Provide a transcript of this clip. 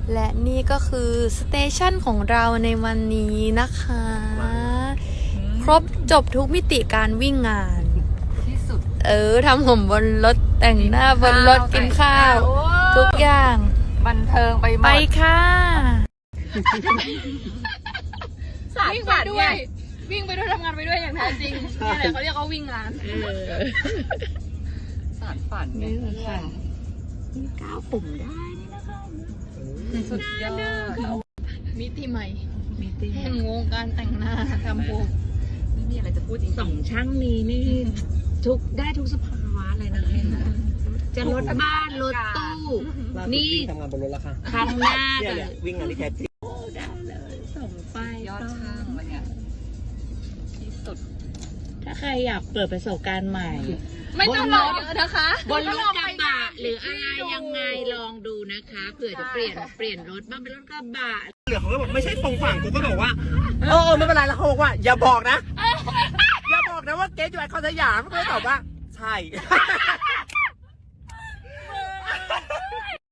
และนี่ก็คือสเตชันของเราในวันนี้นะคะ ครบจบทุกมิติการวิ่งงานที่สุดทำผมบนรถแต่งหน้าบนรถกินข้าว ทุกอย่างบันเทิงไปหมไปดค่ะวิ่งไปด้วย วิ่งไปด้วยทำงานไปด้วยอย่างแท้จริงนี่แหละเขาเรียกว่าวิ่งงานสารฝันไงก้าวปุ่มได้นี่นะคะสุดยอดมิติใหม่แห่งวงการแต่งหน้าทำผมไม่มีอะไรจะพูดจริงสองช่างนี้นี่ได้ทุกสภาวะเลยนะจะรถบ้านรถตู้ นี่ทำงานบนรถแล้วค่ะครั้งหน้าเนี่ยวิ่งงานที่แท้จริงได้เลยส่งไปยอดช่างวันเนี้ยที่สุดถ้าใครอยากเปิดประสบการณ์ใหม่ไม่ต้องรอเยอะนะคะบนรถกระบะหรืออะไรยังไงลองดูนะคะเผื่อจะเปลี่ยนรถบ้างเป็นรถกระบะเหลือเขาก็บอกไม่ใช่ตรงฝั่งกูก็บอกว่าไม่เป็นไรแล้วเขาบอกว่าอย่าบอกนะ อย่าบอกนะว่าเกสอยู่ไอคอนสยามก็เลยตอบว่าใช่